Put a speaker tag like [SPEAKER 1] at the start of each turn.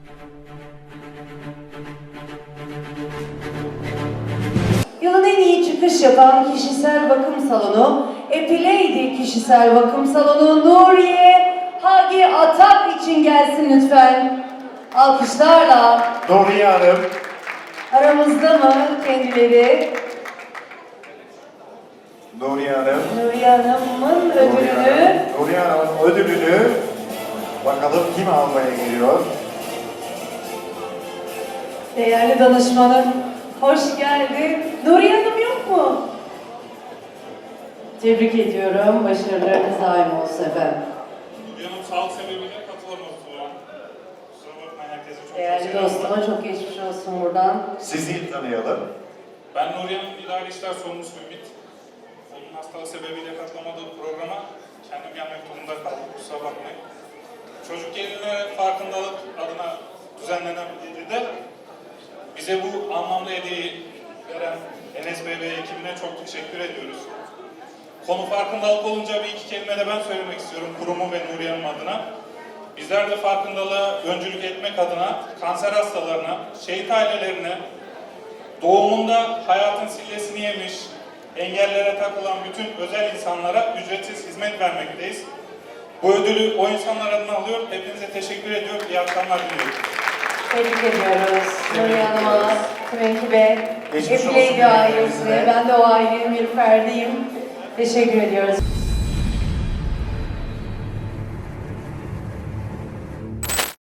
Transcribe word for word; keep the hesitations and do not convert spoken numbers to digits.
[SPEAKER 1] Yılın en iyi çıkış yapan kişisel bakım salonu, Epilady Kişisel Bakım Salonu Nuriye Hagi Atak için gelsin lütfen. Alkışlarla.
[SPEAKER 2] Nuriye Hanım.
[SPEAKER 1] Aramızda mı kendileri?
[SPEAKER 2] Nuriye Hanım.
[SPEAKER 1] Nuriye Hanım'ın ödülünü.
[SPEAKER 2] Nuriye Hanım'ın ödülünü bakalım kim almaya geliyor?
[SPEAKER 1] Değerli danışmanım, hoş geldin. Nuriye Hanım yok mu? Tebrik ediyorum. Başarılarınız daim olsun efendim.
[SPEAKER 3] Nuriye Hanım sağlık sebebiyle katılamadı Turan. Kusura bakmayın, herkese çok
[SPEAKER 1] Değerli
[SPEAKER 3] selam var.
[SPEAKER 1] dostuma çok geçmiş olsun buradan.
[SPEAKER 2] Sizi tanıyalım.
[SPEAKER 3] Ben Nuriye Hanım İdari İşler Sorumlusu Ümit. Onun hastalığı sebebiyle katılamadığı programa kendim gelmek durumunda kaldım. Kusura bakmayın. Çocuk geline farkındalık adına düzenlenen bir gecede bize bu anlamda hediyeyi veren Enes Bey ve ekibine çok teşekkür ediyoruz. Konu farkındalık olunca bir iki kelime de ben söylemek istiyorum kurumu ve Nuriye Hanım adına. Bizler de farkındalığa öncülük etmek adına kanser hastalarına, şehit ailelerine, doğumunda hayatın sillesini yemiş, engellere takılan bütün özel insanlara ücretsiz hizmet vermekteyiz. Bu ödülü o insanlar adına alıyor. Hepinize teşekkür ediyorum. İyi akşamlar diliyorum.
[SPEAKER 1] Tebrik ediyoruz. Nuriye Hanım'a, tüm ekibe,
[SPEAKER 2] Geçmiş olsun
[SPEAKER 1] Epilady ailesine.
[SPEAKER 2] hepinize.
[SPEAKER 1] Ben de o ailenin bir ferdiyim. Teşekkür ediyoruz.